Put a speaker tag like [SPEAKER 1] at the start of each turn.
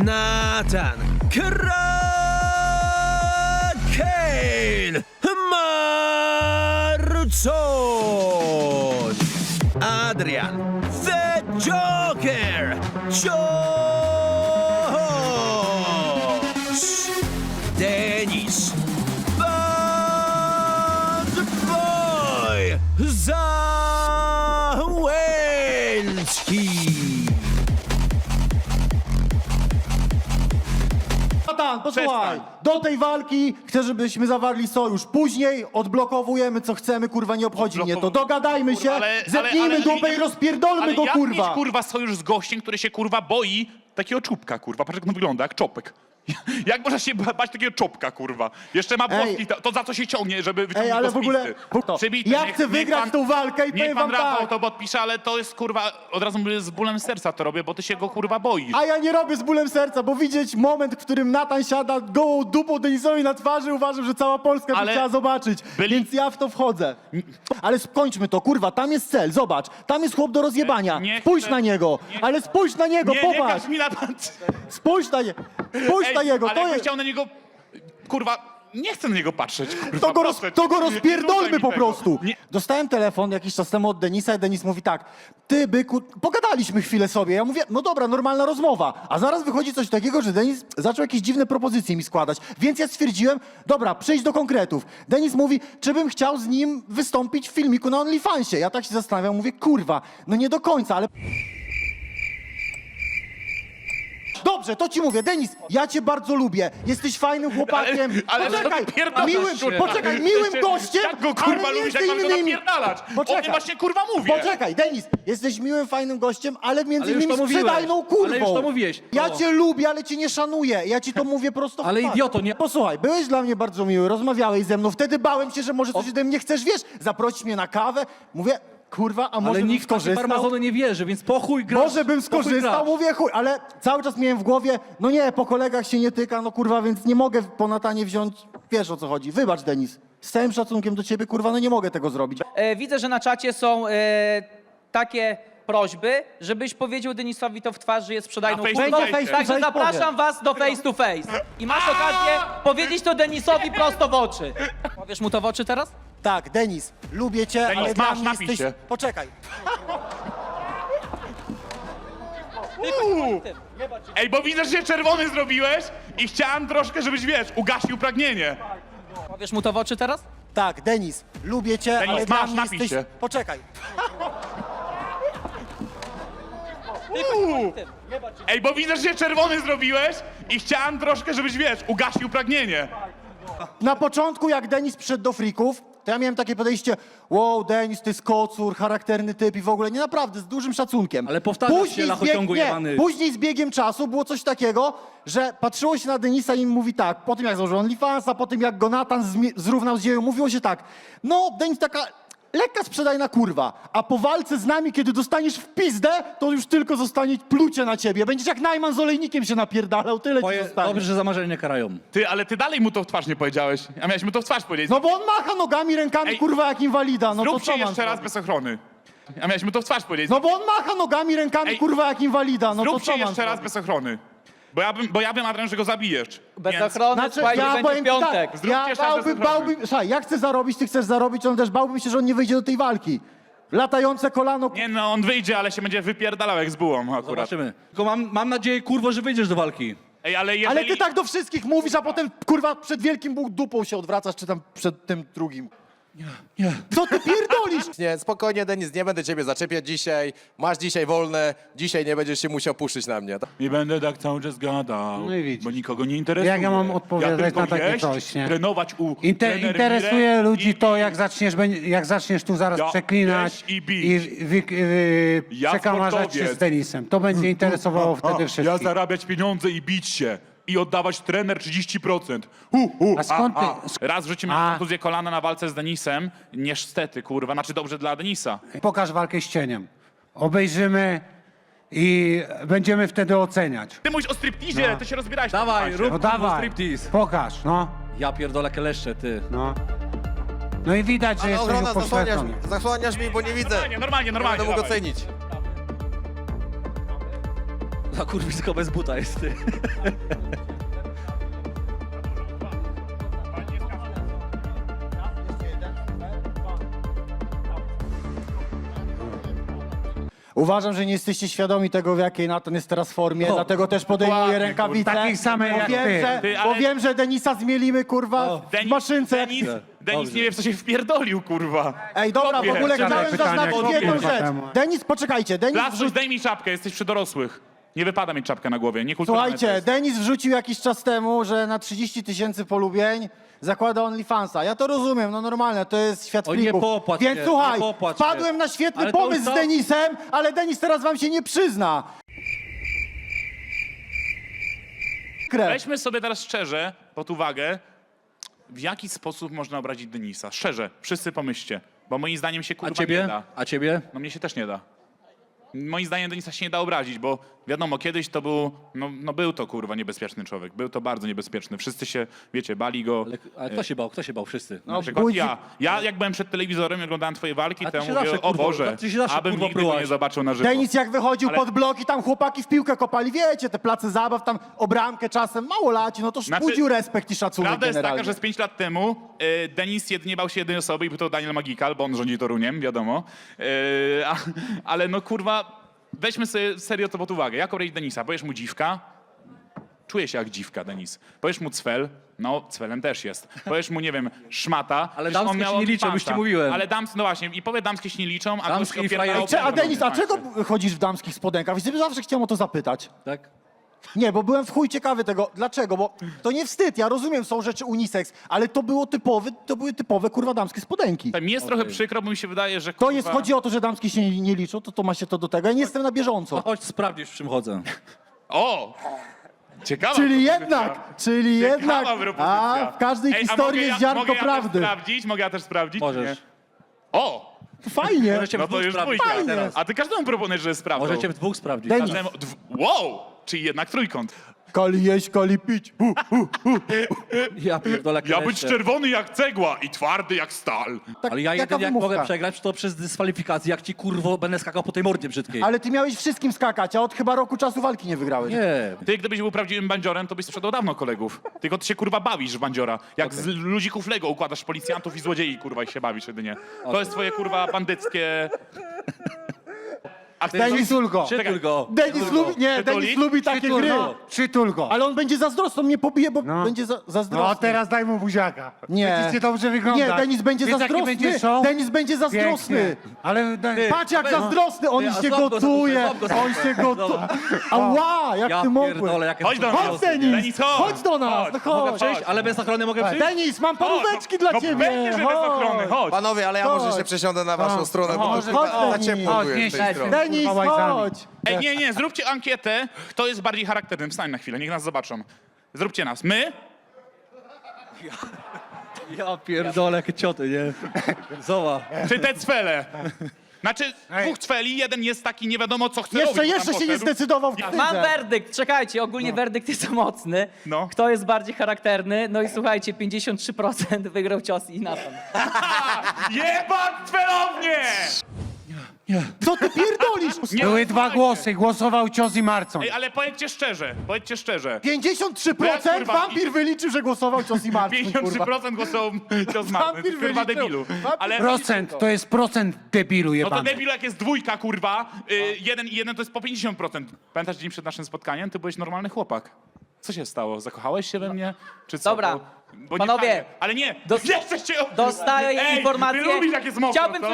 [SPEAKER 1] Nathan Kraken, Marcon, Adrian The Joker, Josh, Denis Bad Boy Załęcki.
[SPEAKER 2] Natan, posłuchaj, do tej walki chcę, żebyśmy zawarli sojusz. Później odblokowujemy co chcemy, kurwa, nie obchodzi mnie to. Dogadajmy się, zepnijmy dupę i rozpierdolmy go,
[SPEAKER 3] jak
[SPEAKER 2] kurwa.
[SPEAKER 3] mieć, kurwa, sojusz z gościem, który się, kurwa, boi takiego czubka, kurwa. Patrz, jak on wygląda, jak czopek. Jak można się bać takiego czopka, kurwa? Jeszcze ma włoski, to za co się ciągnie, żeby wyciągnąć
[SPEAKER 2] ale
[SPEAKER 3] go z
[SPEAKER 2] w ogóle...
[SPEAKER 3] pizdy?
[SPEAKER 2] To,
[SPEAKER 3] Przebity.
[SPEAKER 2] ja
[SPEAKER 3] Niech-
[SPEAKER 2] chcę
[SPEAKER 3] niech
[SPEAKER 2] wygrać
[SPEAKER 3] pan-
[SPEAKER 2] tą walkę i
[SPEAKER 3] Niech
[SPEAKER 2] powiem
[SPEAKER 3] pan
[SPEAKER 2] wam
[SPEAKER 3] Rafał
[SPEAKER 2] tak.
[SPEAKER 3] to podpisze, ale to jest, kurwa, od razu mówię, z bólem serca to robię, bo ty się go, kurwa, boisz.
[SPEAKER 2] A ja nie robię z bólem serca, bo widzieć moment, w którym Natan siada gołą dupą Denisowi na twarzy, uważam, że cała Polska by
[SPEAKER 3] Ale
[SPEAKER 2] chciała zobaczyć. Więc ja w to wchodzę. Ale skończmy to, kurwa, tam jest cel, zobacz. Tam jest chłop do rozjebania.
[SPEAKER 3] Nie
[SPEAKER 2] Spójrz
[SPEAKER 3] chcę-
[SPEAKER 2] na niego, ale spójrz na niego,
[SPEAKER 3] Nie
[SPEAKER 2] popatrz.
[SPEAKER 3] każ mi na pan...
[SPEAKER 2] Spójrz na niego, spójrz na niego.
[SPEAKER 3] ale
[SPEAKER 2] To
[SPEAKER 3] jakbym
[SPEAKER 2] jest...
[SPEAKER 3] chciał na niego, kurwa, nie chcę na niego patrzeć, kurwa,
[SPEAKER 2] To go,
[SPEAKER 3] proszę.
[SPEAKER 2] to go
[SPEAKER 3] Nie
[SPEAKER 2] rozpierdolmy
[SPEAKER 3] rzucaj mi
[SPEAKER 2] po
[SPEAKER 3] tego.
[SPEAKER 2] prostu.
[SPEAKER 3] Nie.
[SPEAKER 2] Dostałem telefon jakiś czas temu od Denisa i Denis mówi tak, ty byku, pogadaliśmy chwilę sobie. Ja mówię, no dobra, normalna rozmowa. A zaraz wychodzi coś takiego, że Denis zaczął jakieś dziwne propozycje mi składać. Więc ja stwierdziłem, dobra, przejdź do konkretów. Denis mówi, czy bym chciał z nim wystąpić w filmiku na OnlyFansie. Ja tak się zastanawiam, mówię, kurwa, no nie do końca, ale... Dobrze, to ci mówię, Denis, ja cię bardzo lubię. Jesteś fajnym chłopakiem.
[SPEAKER 3] Ale
[SPEAKER 2] poczekaj,
[SPEAKER 3] napierdalasz
[SPEAKER 2] miłym,
[SPEAKER 3] się.
[SPEAKER 2] poczekaj, miłym gościem,
[SPEAKER 3] Jak go, kurwa,
[SPEAKER 2] ale
[SPEAKER 3] lubisz,
[SPEAKER 2] między
[SPEAKER 3] jak mam go
[SPEAKER 2] innymi...
[SPEAKER 3] napierdalać? O
[SPEAKER 2] Poczekaj.
[SPEAKER 3] tym właśnie, kurwa, mówię.
[SPEAKER 2] Poczekaj, Denis, jesteś miłym, fajnym gościem, ale między
[SPEAKER 4] Ale już
[SPEAKER 2] innymi
[SPEAKER 4] to mówiłeś.
[SPEAKER 2] sprzedajną kurwą.
[SPEAKER 4] Ale już to mówiłeś.
[SPEAKER 2] Ja
[SPEAKER 4] No.
[SPEAKER 2] cię lubię, ale cię nie szanuję. Ja ci to mówię prosto w
[SPEAKER 4] Ale
[SPEAKER 2] twarz.
[SPEAKER 4] idioto, nie-
[SPEAKER 2] Posłuchaj, byłeś dla mnie bardzo miły, rozmawiałeś ze mną, wtedy bałem się, że może coś ode mnie chcesz, wiesz, zaprosić mnie na kawę. Mówię, kurwa, a może
[SPEAKER 4] Ale
[SPEAKER 2] bym
[SPEAKER 4] nikt w takie
[SPEAKER 2] skorzystał?
[SPEAKER 4] farmazony nie wierzy, więc po chuj grasz.
[SPEAKER 2] Może bym
[SPEAKER 4] po chuj
[SPEAKER 2] skorzystał,
[SPEAKER 4] grasz.
[SPEAKER 2] mówię chuj, ale cały czas miałem w głowie, no nie, po kolegach się nie tyka, no kurwa, więc nie mogę po Natanie wziąć, wiesz o co chodzi. Wybacz, Denis, z całym szacunkiem do ciebie, kurwa, no nie mogę tego zrobić.
[SPEAKER 5] Widzę, że na czacie są takie prośby, żebyś powiedział Denisowi to w twarz, że jest sprzedajną
[SPEAKER 3] Na face
[SPEAKER 5] kurwą.
[SPEAKER 3] to face.
[SPEAKER 5] Także
[SPEAKER 2] Face to face
[SPEAKER 5] zapraszam was do face to face. I masz okazję powiedzieć to Denisowi prosto w oczy. Powiesz mu to w oczy teraz?
[SPEAKER 2] Tak, Denis, lubię cię,
[SPEAKER 3] Denis,
[SPEAKER 2] ale
[SPEAKER 3] masz,
[SPEAKER 2] dla mnie
[SPEAKER 3] napij
[SPEAKER 2] jesteś...
[SPEAKER 3] się.
[SPEAKER 2] Poczekaj.
[SPEAKER 3] Ej, bo widzę, że się czerwony zrobiłeś i chciałem troszkę, żebyś, wiesz, ugasił pragnienie.
[SPEAKER 5] Powiesz mu to w oczy teraz?
[SPEAKER 2] Tak, Denis, lubię cię,
[SPEAKER 3] Denis,
[SPEAKER 2] ale
[SPEAKER 3] masz,
[SPEAKER 2] dla mnie
[SPEAKER 3] napij
[SPEAKER 2] jesteś...
[SPEAKER 3] się.
[SPEAKER 2] Poczekaj.
[SPEAKER 3] Ej, bo widzę, że się czerwony zrobiłeś i chciałem troszkę, żebyś, wiesz, ugasił pragnienie.
[SPEAKER 2] Na początku, jak Denis przyszedł do frików, to ja miałem takie podejście, wow, Denis, to jest kocur, charakterny typ i w ogóle, nie naprawdę, z dużym szacunkiem.
[SPEAKER 4] Ale powtarzasz się, lachociągu jebany.
[SPEAKER 2] Później z biegiem czasu było coś takiego, że patrzyło się na Denisa i mówi tak, po tym jak założył OnlyFansa, po tym jak go Natan zrównał z ziemią, mówiło się tak, no Denis taka lekka sprzedajna kurwa, a po walce z nami, kiedy dostaniesz w pizdę, to już tylko zostanie plucie na ciebie. Będziesz jak Najman z olejnikiem się napierdalał, tyle ci zostanie.
[SPEAKER 4] Dobrze, że za marzenie nie karają.
[SPEAKER 3] Ty, ale ty dalej mu to w twarz nie powiedziałeś. A miałeś mu to w twarz powiedzieć.
[SPEAKER 2] No bo on macha nogami, rękami,
[SPEAKER 3] Ej,
[SPEAKER 2] kurwa, jak inwalida, no to
[SPEAKER 3] Zrób
[SPEAKER 2] co
[SPEAKER 3] się
[SPEAKER 2] mam
[SPEAKER 3] jeszcze raz
[SPEAKER 2] zrobić?
[SPEAKER 3] bez ochrony. A miałeś mu to w twarz powiedzieć.
[SPEAKER 2] No bo on macha nogami, rękami,
[SPEAKER 3] Ej,
[SPEAKER 2] kurwa, jak inwalida, no to
[SPEAKER 3] Zrób
[SPEAKER 2] co
[SPEAKER 3] się
[SPEAKER 2] mam
[SPEAKER 3] jeszcze raz
[SPEAKER 2] zrobić?
[SPEAKER 3] bez ochrony. Bo ja wiem, Adrian, że go zabijesz.
[SPEAKER 5] Bez
[SPEAKER 3] Więc-
[SPEAKER 5] ochrony,
[SPEAKER 2] Znaczy,
[SPEAKER 5] słuchajcie,
[SPEAKER 2] ja
[SPEAKER 5] będzie
[SPEAKER 2] powiem ci
[SPEAKER 5] piątek.
[SPEAKER 2] tak,
[SPEAKER 3] Zróbcie
[SPEAKER 2] ja
[SPEAKER 3] jeszcze raz bez ochrony.
[SPEAKER 2] bałbym, słuchaj, ja chcę zarobić, ty chcesz zarobić, on też bałbym się, że on nie wyjdzie do tej walki. Latające kolano,
[SPEAKER 3] Nie no, on wyjdzie, ale się będzie wypierdalał jak z bułą akurat.
[SPEAKER 4] Zobaczymy. Tylko mam nadzieję, kurwo, że wyjdziesz do walki.
[SPEAKER 3] Ej, ale jeżeli...
[SPEAKER 2] ale ty tak do wszystkich mówisz, a potem, kurwa, przed wielkim Bóg dupą się odwracasz, czy tam przed tym drugim.
[SPEAKER 4] Nie.
[SPEAKER 2] Co ty pierdolisz?
[SPEAKER 6] Nie, spokojnie, Denis, nie będę ciebie zaczepiać dzisiaj. Masz dzisiaj wolne, dzisiaj nie będziesz się musiał puszyć na mnie.
[SPEAKER 3] Nie będę tak cały czas gadał,
[SPEAKER 7] No i widzisz.
[SPEAKER 3] bo nikogo nie interesuje.
[SPEAKER 7] Jak ja mam odpowiadać
[SPEAKER 3] ja tylko
[SPEAKER 7] na takie
[SPEAKER 3] jeść,
[SPEAKER 7] coś, nie?
[SPEAKER 3] trenować u trener
[SPEAKER 7] Interesuje
[SPEAKER 3] Mirek
[SPEAKER 7] ludzi to,
[SPEAKER 3] i-
[SPEAKER 7] jak zaczniesz tu zaraz
[SPEAKER 3] Ja
[SPEAKER 7] przeklinać
[SPEAKER 3] jeść i bić.
[SPEAKER 7] i
[SPEAKER 3] Ja
[SPEAKER 7] przekamarzać się
[SPEAKER 3] sportowiec.
[SPEAKER 7] z Denisem. To będzie interesowało wtedy
[SPEAKER 3] Ja
[SPEAKER 7] wszystkich.
[SPEAKER 3] zarabiać pieniądze i bić się. I oddawać trener 30%.
[SPEAKER 7] A skąd ty-
[SPEAKER 3] Raz w życiu miałem kontuzję kolana na walce z Denisem. Niestety, kurwa. Znaczy dobrze dla Denisa.
[SPEAKER 7] Pokaż walkę z cieniem. Obejrzymy i będziemy wtedy oceniać.
[SPEAKER 3] Ty mówisz o stripteasie, ty się rozbierałeś. na
[SPEAKER 4] Dawaj,
[SPEAKER 3] tym
[SPEAKER 4] rób
[SPEAKER 7] No
[SPEAKER 4] kurwo
[SPEAKER 7] dawaj,
[SPEAKER 4] striptease.
[SPEAKER 7] pokaż, no.
[SPEAKER 4] Ja pierdolę keleszcze, ty.
[SPEAKER 7] No. No i widać, że
[SPEAKER 6] Ale
[SPEAKER 7] jest
[SPEAKER 6] ochrona,
[SPEAKER 7] tego poświęcony.
[SPEAKER 6] zasłaniasz mi, bo nie widzę.
[SPEAKER 3] Normalnie,
[SPEAKER 6] Nie
[SPEAKER 3] normalnie.
[SPEAKER 6] będę mógł
[SPEAKER 3] dawaj.
[SPEAKER 6] ocenić.
[SPEAKER 4] Za kurwisko bez buta jest, ty.
[SPEAKER 2] Uważam, że nie jesteście świadomi tego, w jakiej Natan jest teraz formie, dlatego też podejmuję
[SPEAKER 3] dokładnie,
[SPEAKER 2] rękawice.
[SPEAKER 7] Takich samych jak ty.
[SPEAKER 2] Bo wiem, że Denisa zmielimy, kurwa, w maszynce.
[SPEAKER 3] Denis nie wie, w co się wpierdolił, kurwa.
[SPEAKER 2] Ej, dobra, w
[SPEAKER 3] Chłopie.
[SPEAKER 2] ogóle
[SPEAKER 7] Żadne
[SPEAKER 2] chciałem
[SPEAKER 7] pytania,
[SPEAKER 2] zaznaczyć jedną
[SPEAKER 7] kurwa,
[SPEAKER 2] rzecz.
[SPEAKER 7] temat.
[SPEAKER 2] Denis, poczekajcie, Denis
[SPEAKER 3] Lasus, daj mi czapkę, jesteś przy dorosłych. Nie wypada mieć czapkę na głowie, niekulturalne to
[SPEAKER 2] Słuchajcie,
[SPEAKER 3] jest.
[SPEAKER 2] Denis wrzucił jakiś czas temu, że na 30 000 polubień zakłada OnlyFansa. Ja to rozumiem, no normalne, to jest świat
[SPEAKER 4] Oj, nie
[SPEAKER 2] flików.
[SPEAKER 4] popłacz
[SPEAKER 2] Więc
[SPEAKER 4] się,
[SPEAKER 2] słuchaj,
[SPEAKER 4] nie popłacz się.
[SPEAKER 2] wpadłem na świetny
[SPEAKER 4] Ale to
[SPEAKER 2] pomysł
[SPEAKER 4] już
[SPEAKER 2] z
[SPEAKER 4] to-
[SPEAKER 2] Denisem, ale Denis teraz wam się nie przyzna. Krew.
[SPEAKER 3] Weźmy sobie teraz szczerze pod uwagę, w jaki sposób można obrazić Denisa. Szczerze, wszyscy pomyślcie, bo moim zdaniem się
[SPEAKER 4] A
[SPEAKER 3] kurwa nie
[SPEAKER 4] ciebie?
[SPEAKER 3] da.
[SPEAKER 4] A ciebie?
[SPEAKER 3] No mnie się też nie da. Moim zdaniem Denisa się nie da obrazić, bo wiadomo, kiedyś to był, no był to kurwa niebezpieczny człowiek. Był to bardzo niebezpieczny. Wszyscy się, wiecie, bali go.
[SPEAKER 4] Ale kto się bał? Kto się bał? Wszyscy.
[SPEAKER 3] Na przykład
[SPEAKER 2] budzi-
[SPEAKER 3] ja jak byłem przed telewizorem i oglądałem twoje walki,
[SPEAKER 4] A
[SPEAKER 3] to
[SPEAKER 4] ty
[SPEAKER 3] ja
[SPEAKER 4] się
[SPEAKER 3] mówię,
[SPEAKER 4] zawsze,
[SPEAKER 3] o
[SPEAKER 4] kurwa,
[SPEAKER 3] Boże,
[SPEAKER 4] ty się zawsze,
[SPEAKER 3] abym
[SPEAKER 4] kurwa,
[SPEAKER 3] nigdy go nie
[SPEAKER 4] prułaś.
[SPEAKER 3] zobaczył na żywo.
[SPEAKER 2] Denis jak wychodził
[SPEAKER 3] Ale-
[SPEAKER 2] pod blok i tam chłopaki w piłkę kopali, wiecie, te place zabaw, tam o bramkę czasem, mało laci, no to
[SPEAKER 3] Znaczy,
[SPEAKER 2] budził respekt i szacunek
[SPEAKER 3] Prawda jest
[SPEAKER 2] generalnie.
[SPEAKER 3] taka, że z 5 lat temu Denis jedynie bał się jednej osoby i był to Daniel Magikal, bo on rządzi Toruniem, wiadomo. Ale no kurwa, weźmy sobie serio to pod uwagę. Jak obrazić Denisa? Powiesz mu dziwka? Czuje się jak dziwka, Denis. Powiesz mu cwel? No, cwelem też jest. Powiesz mu, nie wiem, szmata?
[SPEAKER 4] Ale
[SPEAKER 3] Przecież on
[SPEAKER 4] damskie
[SPEAKER 3] miał
[SPEAKER 4] się nie liczą,
[SPEAKER 3] OnlyFansa.
[SPEAKER 4] już ci mówiłem.
[SPEAKER 3] Ale no właśnie, i powie damskie się nie liczą, a
[SPEAKER 4] Damskie
[SPEAKER 3] gość
[SPEAKER 4] i
[SPEAKER 3] opierdalał
[SPEAKER 4] frajerki.
[SPEAKER 2] A Denis, a
[SPEAKER 3] OnlyFansie.
[SPEAKER 2] czego chodzisz w damskich spodenkach? Wiesz, zawsze chciałem o to zapytać.
[SPEAKER 4] Tak?
[SPEAKER 2] Nie, bo byłem w chuj ciekawy tego. Dlaczego? Bo to nie wstyd, ja rozumiem, są rzeczy unisex, ale to były typowe, kurwa, damskie spodenki.
[SPEAKER 3] Mi jest trochę przykro, bo mi się wydaje, że
[SPEAKER 2] To
[SPEAKER 3] kurwa...
[SPEAKER 2] jest, chodzi o to, że damskie się nie liczą, to ma się to do tego. Ja nie jestem na
[SPEAKER 4] No
[SPEAKER 2] bieżąco.
[SPEAKER 4] chodź sprawdzisz, w czym chodzę.
[SPEAKER 3] O! Ciekawa
[SPEAKER 2] Czyli
[SPEAKER 3] propozycja.
[SPEAKER 2] jednak,
[SPEAKER 3] propozycja.
[SPEAKER 2] a w każdej
[SPEAKER 3] Ej, a
[SPEAKER 2] historii
[SPEAKER 3] mogę
[SPEAKER 2] jest ziarnko
[SPEAKER 3] mogę ja
[SPEAKER 2] prawdy.
[SPEAKER 3] Też sprawdzić? Mogę ja też sprawdzić? czy
[SPEAKER 4] Możesz.
[SPEAKER 3] nie? O!
[SPEAKER 2] Fajnie.
[SPEAKER 4] Możecie
[SPEAKER 3] No
[SPEAKER 4] w
[SPEAKER 3] to
[SPEAKER 4] dwóch
[SPEAKER 3] już
[SPEAKER 4] sprawdzić
[SPEAKER 3] dwójka.
[SPEAKER 4] teraz.
[SPEAKER 3] A ty każdemu proponujesz, że sprawdzą.
[SPEAKER 4] Możecie w dwóch sprawdzić.
[SPEAKER 2] Denis.
[SPEAKER 3] Wow! Czyli jednak trójkąt.
[SPEAKER 2] Kali jeść, kali pić.
[SPEAKER 4] Ja pierdolę
[SPEAKER 3] Ja być
[SPEAKER 4] kleszcze.
[SPEAKER 3] czerwony jak cegła i twardy jak stal.
[SPEAKER 2] Tak,
[SPEAKER 4] Ale ja
[SPEAKER 2] jaka
[SPEAKER 4] jedynie jak
[SPEAKER 2] wymówka?
[SPEAKER 4] mogę przegrać, to przez dyskwalifikację, jak ci kurwo będę skakał po tej mordzie brzydkiej.
[SPEAKER 2] Ale ty miałeś wszystkim skakać, a od chyba roku czasu walki nie wygrałeś.
[SPEAKER 4] Nie.
[SPEAKER 3] Ty, gdybyś był prawdziwym bandziorem, to byś sprzedał dawno kolegów. Tylko ty się kurwa bawisz w bandziora. Jak z ludzików Lego układasz policjantów i złodziei, kurwa, i się bawisz jedynie. To jest twoje kurwa bandyckie... A ty
[SPEAKER 2] Denisulko.
[SPEAKER 4] Przytul go.
[SPEAKER 2] Denis lubi, nie,
[SPEAKER 3] Przytulić?
[SPEAKER 2] Denis lubi takie
[SPEAKER 7] Przytul
[SPEAKER 2] gry.
[SPEAKER 7] go. Przytul go.
[SPEAKER 2] Ale on będzie zazdrosny, on mnie pobije, bo
[SPEAKER 7] No.
[SPEAKER 2] będzie zazdrosny.
[SPEAKER 7] No teraz daj mu buziaka.
[SPEAKER 2] Nie.
[SPEAKER 7] Będziecie dobrze wyglądać.
[SPEAKER 2] Nie, Denis będzie
[SPEAKER 7] Wiesz, jaki
[SPEAKER 2] zazdrosny.
[SPEAKER 7] będzie show?
[SPEAKER 2] Denis będzie zazdrosny.
[SPEAKER 7] Pięknie. Ale
[SPEAKER 2] Patrz jak zazdrosny, on
[SPEAKER 4] Ty, a
[SPEAKER 2] się
[SPEAKER 4] złap go za
[SPEAKER 2] gotuje,
[SPEAKER 4] dupę, złap go za
[SPEAKER 2] on
[SPEAKER 4] dupę.
[SPEAKER 2] się gotuje.
[SPEAKER 4] Dobra.
[SPEAKER 2] Ała, jak
[SPEAKER 4] Ja
[SPEAKER 2] ty mogłeś.
[SPEAKER 4] pierdolę, jakie
[SPEAKER 3] Chodź do nas.
[SPEAKER 2] Chodź Denis,
[SPEAKER 3] Denis, chodź.
[SPEAKER 2] chodź do nas, no
[SPEAKER 4] Mogę
[SPEAKER 2] chodź.
[SPEAKER 4] przejść, ale bez ochrony mogę przyjść?
[SPEAKER 2] Denis, mam paróweczki dla
[SPEAKER 3] no
[SPEAKER 2] ciebie.
[SPEAKER 3] pewnie, że bez ochrony, chodź.
[SPEAKER 6] Panowie, ale ja
[SPEAKER 2] Chodź.
[SPEAKER 6] może się przesiądę na waszą stronę, bo
[SPEAKER 2] Chodź,
[SPEAKER 6] to
[SPEAKER 2] chodź,
[SPEAKER 6] za
[SPEAKER 2] Denis.
[SPEAKER 6] ciepło
[SPEAKER 7] Chodź,
[SPEAKER 6] tu jest z tej
[SPEAKER 7] nieś.
[SPEAKER 6] strony.
[SPEAKER 2] Denis,
[SPEAKER 7] Kurwa, łajcami.
[SPEAKER 2] chodź.
[SPEAKER 3] Ej, nie, zróbcie ankietę, kto jest bardziej charakternym. Wstań na chwilę, niech nas zobaczą. Zróbcie nas. My?
[SPEAKER 4] Ja pierdolę, jakie cioty, nie? Zobacz.
[SPEAKER 3] Czy te cwele? Znaczy, dwóch cweli, jeden jest taki nie wiadomo co chce robić. bo
[SPEAKER 2] Jeszcze
[SPEAKER 3] tam
[SPEAKER 2] się nie
[SPEAKER 3] poszedł.
[SPEAKER 2] zdecydował w
[SPEAKER 5] Mam
[SPEAKER 2] ktydze.
[SPEAKER 5] werdykt, czekajcie, ogólnie werdykt jest mocny.
[SPEAKER 3] No.
[SPEAKER 5] Kto jest bardziej charakterny? No i słuchajcie, 53% wygrał cios i Nathan.
[SPEAKER 3] Jebać cwelownie!
[SPEAKER 2] Co ty pierdolisz?
[SPEAKER 3] Nie,
[SPEAKER 7] Były dwa
[SPEAKER 3] słuchajcie.
[SPEAKER 7] głosy. Głosował Cios i Marcon.
[SPEAKER 3] Ej, ale powiedzcie szczerze,
[SPEAKER 2] 53%
[SPEAKER 3] kurwa,
[SPEAKER 2] wampir wyliczył, że głosował cios i Marcin, kurwa.
[SPEAKER 3] 53% głosował cios Marty.
[SPEAKER 2] Wampir
[SPEAKER 3] Kurwa
[SPEAKER 2] wyliczył.
[SPEAKER 3] debilu.
[SPEAKER 2] Wampir
[SPEAKER 3] Ale...
[SPEAKER 7] Procent, to jest procent debilu
[SPEAKER 3] No to
[SPEAKER 7] jebany.
[SPEAKER 3] debilu jak jest dwójka, kurwa, jeden i jeden to jest po 50%. Pamiętasz dzień przed naszym spotkaniem? Ty byłeś normalny chłopak. Co się stało? Zakochałeś się we mnie? Czy co?
[SPEAKER 5] Dobra,
[SPEAKER 3] Bo nie
[SPEAKER 5] panowie,
[SPEAKER 3] fajnie. Ale nie,
[SPEAKER 5] dos-
[SPEAKER 3] jeszcze się...
[SPEAKER 5] Dostaję
[SPEAKER 3] Ej,
[SPEAKER 5] informację.
[SPEAKER 3] Ty lubisz jak jest mokro,
[SPEAKER 5] Chciałbym
[SPEAKER 3] co?